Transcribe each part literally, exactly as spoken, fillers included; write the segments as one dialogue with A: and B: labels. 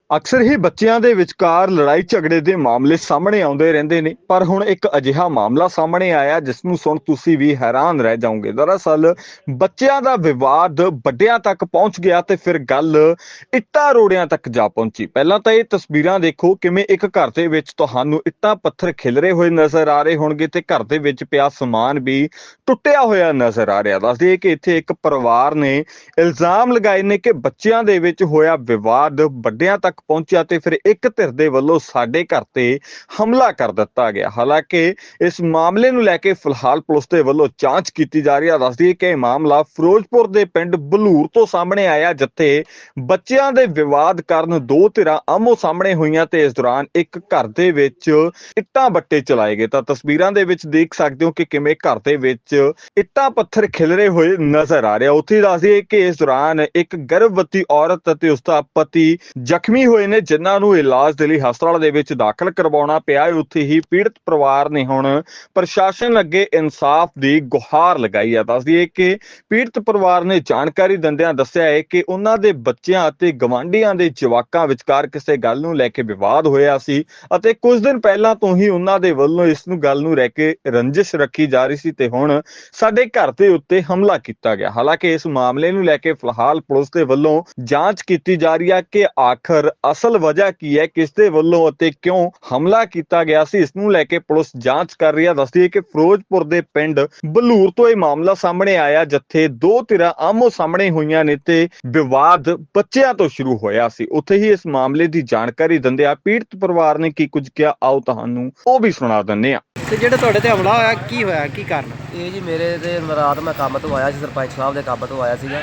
A: ਅਕਸਰ ਹੀ ਬੱਚਿਆਂ ਦੇ ਵਿਚਕਾਰ ਲੜਾਈ ਝਗੜੇ ਦੇ ਮਾਮਲੇ ਸਾਹਮਣੇ ਆਉਂਦੇ ਰਹਿੰਦੇ ਨੇ, ਪਰ ਹੁਣ ਇੱਕ ਅਜਿਹਾ ਮਾਮਲਾ ਸਾਹਮਣੇ ਆਇਆ ਜਿਸ ਨੂੰ ਸੁਣ ਤੁਸੀਂ ਵੀ ਹੈਰਾਨ ਰਹਿ ਜਾਓਗੇ। ਦਰਅਸਲ ਬੱਚਿਆਂ ਦਾ ਵਿਵਾਦ ਵੱਡਿਆਂ ਤੱਕ ਪਹੁੰਚ ਗਿਆ ਤੇ ਫਿਰ ਗੱਲ ਇੱਟਾਂ ਰੋੜਿਆਂ ਤੱਕ ਜਾ ਪਹੁੰਚੀ। ਪਹਿਲਾਂ ਤਾਂ ਇਹ ਤਸਵੀਰਾਂ ਦੇਖੋ, ਕਿਵੇਂ ਇੱਕ ਘਰ ਦੇ ਵਿੱਚ ਤੁਹਾਨੂੰ ਇੱਟਾਂ ਪੱਥਰ ਖਿਲਰੇ ਹੋਏ ਨਜ਼ਰ ਆ ਰਹੇ ਹੋਣਗੇ ਤੇ ਘਰ ਦੇ ਵਿੱਚ ਪਿਆ ਸਮਾਨ ਵੀ ਟੁੱਟਿਆ ਹੋਇਆ ਨਜ਼ਰ ਆ ਰਿਹਾ। ਦੱਸਦੇ ਕਿ ਇੱਥੇ ਇੱਕ ਪਰਿਵਾਰ ਨੇ ਇਲਜ਼ਾਮ ਲਗਾਏ ਨੇ ਕਿ ਬੱਚਿਆਂ ਦੇ ਵਿੱਚ ਹੋਇਆ ਵਿਵਾਦ ਵੱਡਿਆਂ ਤੱਕ ਪਹੁੰਚਿਆ ਤੇ ਫਿਰ ਇੱਕ ਧਿਰ ਦੇ ਵੱਲੋਂ ਸਾਡੇ ਘਰ ਤੇ ਹਮਲਾ ਕਰ ਦਿੱਤਾ ਗਿਆ। ਹਾਲਾਂਕਿ ਇਸ ਮਾਮਲੇ ਨੂੰ ਲੈ ਕੇ ਫਿਲਹਾਲ ਪੁਲਿਸ ਦੇ ਵੱਲੋਂ ਜਾਂਚ ਕੀਤੀ ਜਾ ਰਹੀ ਹੈ। ਦੱਸਦੀ ਹੈ ਕਿ ਇਹ ਮਾਮਲਾ ਫਿਰੋਜ਼ਪੁਰ ਦੇ ਪਿੰਡ ਬਲੂਰ ਤੋਂ ਸਾਹਮਣੇ ਆਇਆ, ਜਿੱਥੇ ਬੱਚਿਆਂ ਦੇ ਵਿਵਾਦ ਕਾਰਨ ਦੋ ਧਿਰਾਂ ਆਮੋ ਸਾਹਮਣੇ ਹੋਈਆਂ ਤੇ ਇਸ ਦੌਰਾਨ ਇੱਕ ਘਰ ਦੇ ਵਿੱਚ ਇੱਟਾਂ ਬੱਟੇ ਚਲਾਏ ਗਏ। ਤਾਂ ਤਸਵੀਰਾਂ ਦੇ ਵਿੱਚ ਦੇਖ ਸਕਦੇ ਹੋ ਕਿ ਕਿਵੇਂ ਘਰ ਦੇ ਵਿੱਚ ਇੱਟਾਂ ਪੱਥਰ ਖਿਲਰੇ ਹੋਏ ਨਜ਼ਰ ਆ ਰਿਹਾ। ਉੱਥੇ ਦੱਸਦੀ ਕਿ ਇਸ ਦੌਰਾਨ ਇੱਕ ਗਰਭਵਤੀ ਔਰਤ ਅਤੇ ਉਸਦਾ ਪਤੀ ਜ਼ਖਮੀ ਹੋਏ ਨੇ, ਜਿਨ੍ਹਾਂ ਨੂੰ ਇਲਾਜ ਦੇ ਲਈ ਹਸਪਤਾਲ ਦੇ ਵਿੱਚ ਦਾਖਲ ਕਰਵਾਉਣਾ ਪਿਆ ਹੈ। ਉੱਥੇ ਹੀ ਪੀੜਤ ਪਰਿਵਾਰ ਨੇ ਹੁਣ ਪ੍ਰਸ਼ਾਸਨ ਅੱਗੇ ਇਨਸਾਫ ਦੀ ਗੁਹਾਰ ਲਗਾਈ ਹੈ। ਦੱਸਦੀ ਹੈ ਕਿ ਪੀੜਤ ਪਰਿਵਾਰ ਨੇ ਜਾਣਕਾਰੀ ਦਿੰਦਿਆਂ ਦੱਸਿਆ ਹੈ ਕਿ ਉਹਨਾਂ ਦੇ ਬੱਚਿਆਂ ਅਤੇ ਗਵਾਂਢੀਆਂ ਦੇ ਜਵਾਕਾਂ ਵਿਚਕਾਰ ਕਿਸੇ ਗੱਲ ਨੂੰ ਲੈ ਕੇ ਵਿਵਾਦ ਹੋਇਆ ਸੀ ਅਤੇ ਕੁਝ ਦਿਨ ਪਹਿਲਾਂ ਤੋਂ ਹੀ ਉਹਨਾਂ ਦੇ ਵੱਲੋਂ ਇਸ ਨੂੰ ਗੱਲ ਨੂੰ ਲੈ ਕੇ ਰੰਜਿਸ਼ ਰੱਖੀ ਜਾ ਰਹੀ ਸੀ ਤੇ ਹੁਣ ਸਾਡੇ ਘਰ ਦੇ ਉੱਤੇ ਹਮਲਾ ਕੀਤਾ ਗਿਆ। ਹਾਲਾਂਕਿ ਇਸ ਮਾਮਲੇ ਨੂੰ ਲੈ ਕੇ ਫਿਲਹਾਲ ਪੁਲਿਸ ਦੇ ਵੱਲੋਂ ਜਾਂਚ ਕੀਤੀ ਜਾ ਰਹੀ ਹੈ ਕਿ ਆਖਰ ਅਸਲ ਵਜ੍ਹਾ ਕੀ ਹੈ, ਕਿਸ ਦੇ ਵੱਲੋਂ ਅਤੇ ਕਿਉਂ ਹਮਲਾ ਕੀਤਾ ਗਿਆ ਸੀ। ਇਸ ਨੂੰ ਲੈ ਕੇ ਪੁਲਿਸ ਜਾਂਚ ਕਰ ਰਹੀ ਹੈ। ਦੱਸਦੀ ਹੈ ਕਿ ਫਿਰੋਜ਼ਪੁਰ ਦੇ ਪਿੰਡ ਬਲੂਰ ਤੋਂ ਇਹ ਮਾਮਲਾ ਸਾਹਮਣੇ ਆਇਆ, ਜਿੱਥੇ ਦੋ ਧਿਰਾਂ ਆਮੋ ਸਾਹਮਣੇ ਹੋਈਆਂ ਨੇ ਤੇ ਵਿਵਾਦ ਬੱਚਿਆਂ ਤੋਂ ਸ਼ੁਰੂ ਹੋਇਆ ਸੀ। ਉੱਥੇ ਹੀ ਇਸ ਮਾਮਲੇ ਦੀ ਜਾਣਕਾਰੀ ਦਿੰਦਿਆਂ ਪੀੜਤ ਪਰਿਵਾਰ ਨੇ ਕੀ ਕੁਝ ਕਿਹਾ, ਆਓ ਤੁਹਾਨੂੰ ਉਹ ਵੀ ਸੁਣਾ ਦਿੰਦੇ ਹਾਂ।
B: ਤੇ ਜਿਹੜੇ ਤੁਹਾਡੇ ਤੇ ਹਮਲਾ ਹੋਇਆ, ਕੀ ਹੋਇਆ, ਕੀ ਕਾਰਨ?
C: ਇਹ ਜੀ ਮੇਰੇ ਤੇ ਰਾਤ ਮੈਂ ਕੰਮ ਤੋਂ ਆਇਆ ਸੀ, ਸਰਪੰਚ ਸਾਹਿਬ ਦੇ ਕੰਮ ਤੋਂ ਆਇਆ ਸੀਗਾ।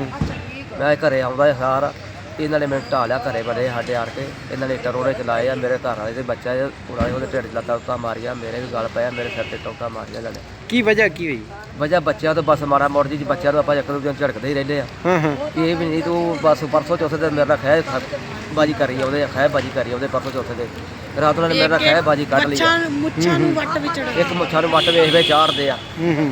C: ਮੈਂ ਘਰੇ ਆਉਂਦਾ ਸਾਰ ਇਹਨਾਂ ਨੇ ਮੈਨੂੰ ਢਾਹ ਲਿਆ, ਘਰੇ ਬੜੇ ਸਾਡੇ ਆੜ ਕੇ ਇਹਨਾਂ ਨੇ ਇੱਟਾਂ ਰੋੜੇ ਚਲਾਏ ਆ। ਮੇਰੇ ਘਰ ਵਾਲੇ ਦੇ ਬੱਚਾ ਪੂਰਾ ਉਹਦੇ ਢਿੱਡ 'ਚ ਲੱਤਾਂ ਉੱਤਾਂ ਮਾਰੀਆਂ, ਮੇਰੇ ਵੀ ਗਲ ਪਿਆ, ਮੇਰੇ ਸਿਰ ਤੇ ਟੋਕਾ ਮਾਰੀਆਂ ਇਹਨਾਂ ਨੇ।
B: ਕੀ ਵਜ੍ਹਾ ਕੀ ਹੋਈ?
C: ਵਜ੍ਹਾ ਬੱਚਿਆਂ ਤੋਂ ਬਸ ਮਾਰਾ ਮੋੜ ਜੀ ਬੱਚਿਆਂ ਨੂੰ ਆਪਾਂ ਇੱਕ ਦੂਜੇ ਨੂੰ ਝੜਕਦੇ ਹੀ ਰਹਿੰਦੇ ਆ।
B: ਹਾਂ ਹਾਂ
C: ਇਹ ਵੀ ਨਹੀਂ ਤੂੰ ਬਸ ਪਰਸੋਂ ਚੌਥੇ ਦਿਨ ਮੇਰੇ ਨਾਲ ਖਹਿ ਬਾਜੀ ਕਰੀ ਆਉਂਦੇ, ਖਹਿ ਬਾਜੀ ਕਰੀ ਆਉਂਦੇ ਪਰਸੋਂ ਚੌਥੇ ਦੇ ਰਾਤ ਉਹਨਾਂ ਨੇ ਮੇਰੇ ਨਾਲ ਖਹਿ ਬਾਜੀ ਕੱਢ ਲਈ।
D: ਮੁੱਛਾਂ ਨੂੰ ਵੱਟ ਵਿੱਚ
C: ਇੱਕ ਮੁੱਛਾਂ ਨੂੰ ਵੱਟ ਵੇਖ ਵੇ ਚਾੜਦੇ ਆ।
B: ਹੂੰ ਹੂੰ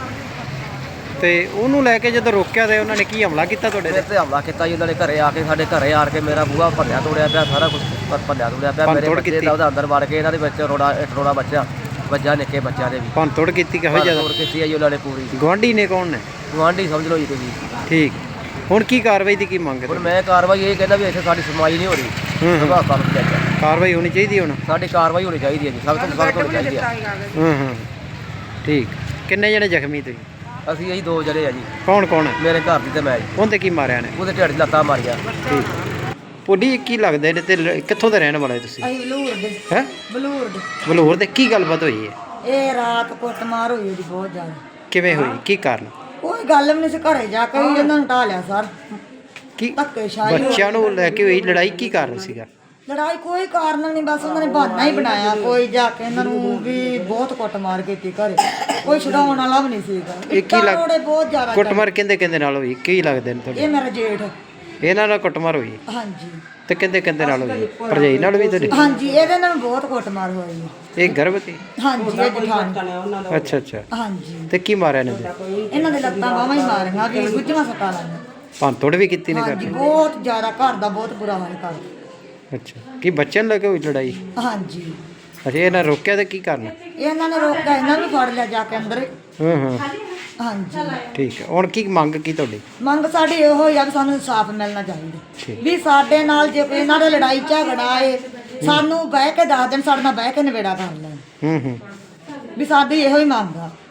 B: ਤੇ ਉਹਨੂੰ ਲੈ ਕੇ ਜਦੋਂ ਰੋਕਿਆ ਤੇ ਉਹਨਾਂ ਨੇ ਕੀ ਹਮਲਾ ਕੀਤਾ ਤੁਹਾਡੇ
C: ਮੇਰੇ
B: ਤੇ?
C: ਤੇ ਹਮਲਾ ਕੀਤਾ ਜੀ ਉਹਨਾਂ ਨੇ। ਘਰੇ ਆ ਕੇ ਸਾਡੇ ਘਰੇ ਆ ਕੇ ਮੇਰਾ ਬੂਹਾ ਭੰਨਿਆ ਤੋੜਿਆ ਪਿਆ, ਸਾਰਾ ਕੁਝ ਭੰਨਿਆ ਤੋੜਿਆ ਪਿਆ। ਮੇਰੇ ਬੱਚੇ ਦਾ ਉਹਦਾ ਅੰਦਰ ਵੜ ਕੇ ਇਹਨਾਂ ਦੇ ਵਿੱਚ ਰੋੜਾ ਇੱਕ ਰੋੜਾ ਬੱਚਾ ਵੱਜਾ, ਨਿੱਕੇ ਬੱਚਿਆਂ ਦੇ ਵੀ
B: ਭੰਨ ਤੋੜ ਕੀਤੀ ਕਿਹੋ ਜਿਆਦਾ?
C: ਤੋੜ ਕੀਤੀ ਆ ਜੀ ਉਹਨਾਂ ਨੇ ਪੂਰੀ।
B: ਗੁਆਂਢੀ ਨੇ ਕੌਣ ਨੇ?
C: ਗੁਆਂਢੀ ਸਮਝ ਲਓ ਜੀ ਤੁਸੀਂ।
B: ਠੀਕ, ਹੁਣ ਕੀ ਕਾਰਵਾਈ ਦੀ ਕੀ ਮੰਗ?
C: ਹੁਣ ਮੈਂ ਕਾਰਵਾਈ ਇਹ ਕਹਿੰਦਾ ਵੀ ਇੱਥੇ ਸਾਡੀ ਸੁਣਵਾਈ ਨਹੀਂ ਹੋ ਰਹੀ।
B: ਹੂੰ
C: ਸੁਭਾਅ ਕੰਮ ਚਾਹੀਦਾ,
B: ਕਾਰਵਾਈ ਹੋਣੀ ਚਾਹੀਦੀ ਹੁਣ।
C: ਸਾਡੀ ਕਾਰਵਾਈ ਹੋਣੀ ਚਾਹੀਦੀ ਹੈ ਜੀ, ਸਖਤ ਤੋਂ ਸਖਤ ਹੋਣੀ ਚਾਹੀਦੀ ਹੈ।
B: ਹੂੰ ਹੂੰ ਠੀਕ। ਕਿੰਨੇ ਜਣੇ ਜ਼ਖਮੀ ਤੁਸੀਂ?
C: ਅਸੀਂ ਇਹੀ ਦੋ ਜਣੇ ਆ ਜੀ।
B: ਕੌਣ ਕੌਣ ਹੈ?
C: ਮੇਰੇ ਘਰ ਦੀ ਤੇ ਮੈਂ ਜੀ।
B: ਉਹਦੇ ਕੀ ਮਾਰਿਆ ਨੇ?
C: ਉਹਦੇ ਢਿੱਡ 'ਚ ਲੱਤਾਂ ਮਾਰੀਆਂ।
B: ਠੀਕ। ਪੁੱਡੀ ਕੀ ਲੱਗਦੇ ਨੇ ਤੇ ਲ- ਕਿੱਥੋਂ ਦੇ ਰਹਿਣ ਵਾਲੇ ਤੁਸੀਂ?
D: ਅਸੀਂ ਬਲੂਰ ਦੇ
B: ਹੈ
D: ਬਲੂਰ ਦੇ
B: ਬਲੂਰ ਦੇ। ਕੀ ਗੱਲਬਾਤ ਹੋਈ ਹੈ?
D: ਇਹ ਰਾਤ ਕੁੱਟਮਾਰ ਹੋਈ ਜੀ ਬਹੁਤ ਜ਼ਿਆਦਾ।
B: ਕਿਵੇਂ ਹੋਈ, ਕੀ ਕਾਰਨ?
D: ਕੋਈ ਗੱਲ ਵੀ ਨਹੀਂ ਸੀ, ਘਰੇ ਜਾ ਕੇ ਹੀ ਇਹਨਾਂ ਨੂੰ ਢਾਹ ਲਿਆ ਸਰ।
B: ਕੀ
D: ਧੱਕੇਸ਼ਾਹੀ ਹੋਈ।
B: ਬੱਚਿਆਂ ਨੂੰ ਲੈ ਕੇ ਹੋਈ ਲੜਾਈ, ਕੀ ਕਾਰਨ ਸੀਗਾ?
D: ਲੜਾਈ ਕੋਈ ਕਾਰਨ ਨਹੀਂ, ਬਸ ਉਹਨਾਂ ਨੇ ਬਹਾਨਾ ਹੀ ਬਣਾਇਆ। ਕੋਈ ਜਾ ਕੇ ਇਹਨਾਂ ਨੂੰ ਵੀ ਬਹੁਤ ਕੁੱਟਮਾਰ ਕੀਤੀ ਘਰੇ, ਕੋਈ ਛਡਾਉਣ ਵਾਲਾ ਵੀ ਨਹੀਂ ਸੀਗਾ।
B: ਇਹ ਕੀ
D: ਇੱਟਾਂ ਰੋੜੇ ਬਹੁਤ
B: ਲੱਗ
D: ਜ਼ਿਆਦਾ
B: ਕੁੱਟਮਾਰ ਕਿੰਦੇ ਕਿੰਦੇ ਨਾਲ ਹੋਈ, ਕੀ ਲੱਗਦੇ ਨੇ
D: ਇਹ
B: ਤੁਹਾਡੇ?
D: ਮੇਰਾ ਜੇਠ।
B: ਇਹਨਾਂ ਨਾਲ ਕੁੱਟਮਾਰ ਹੋਈ
D: ਹਾਂਜੀ
B: ਤੇ ਕਿੰਦੇ ਕਿੰਦੇ ਨਾਲ ਹੋਈ? ਭਰਜਾਈ ਨਾਲ ਵੀ ਤੁਹਾਡੀ?
D: ਹਾਂਜੀ, ਇਹਦੇ ਨਾਲ ਬਹੁਤ ਕੁੱਟਮਾਰ ਹੋਈ।
B: ਇਹ ਗਰਭਵਤੀ?
D: ਹਾਂਜੀ, ਇਹ ਜਠਾਣੀ।
B: ਅੱਛਾ ਅੱਛਾ।
D: ਹਾਂਜੀ,
B: ਤੇ ਕੀ ਮਾਰਿਆ ਨੇ?
D: ਇਹਨਾਂ ਦੇ ਲੱਤਾਂ ਬਾਹਾਂ ਹੀ ਮਾਰੀਆਂ ਵੀ ਗੁੱਝੀਆਂ ਸੱਟਾਂ ਲਾਈਆਂ।
B: ਭੰਨ ਤੋੜ ਵੀ ਕੀਤੀ ਨੇ
D: ਹਾਂਜੀ,
B: ਘਰ?
D: ਬਹੁਤ ਜ਼ਿਆਦਾ, ਘਰ ਦਾ ਬਹੁਤ ਬੁਰਾ ਹਾਲ ਕਰ।
B: ਅੱਛਾ, ਕੀ ਬੱਚਿਆਂ ਨੂੰ ਲੈ ਕੇ ਹੋਈ ਲੜਾਈ?
D: ਹਾਂਜੀ,
B: ਅੱਛਾ, ਇਹਨਾਂ ਰੋਕਿਆ ਤੇ ਕੀ ਕਰਨਾ?
D: ਇਹਨਾਂ ਨੇ ਰੋਕਿਆ, ਇਹਨਾਂ ਨੂੰ ਫੜ ਲਿਆ ਜਾ ਕੇ ਅੰਦਰ।
B: ਹਾਂ ਹਾਂ
D: ਹਾਂਜੀ,
B: ਠੀਕ ਹੈ। ਹੁਣ ਕੀ ਮੰਗ ਕੀ ਤੁਹਾਡੀ?
D: ਮੰਗ ਸਾਡੀ ਇਹੋ ਹੀ ਆ ਵੀ ਸਾਨੂੰ ਇਨਸਾਫ ਮਿਲਣਾ ਚਾਹੀਦਾ।
B: ਠੀਕ।
D: ਵੀ ਸਾਡੇ ਨਾਲ ਜੇ ਕੋਈ ਇਹਨਾਂ ਦੇ ਲੜਾਈ ਝਗੜਾ ਏ, ਸਾਨੂੰ ਬਹਿ ਕੇ ਦੱਸ ਦੇਣ, ਸਾਡੇ ਨਾਲ ਬਹਿ ਕੇ ਨਿਬੇੜਾ ਕਰ ਲੈਣ।
B: ਹੂੰ ਹੂੰ
D: ਵੀ ਸਾਡੀ ਇਹੋ ਹੀ ਮੰਗ ਆ।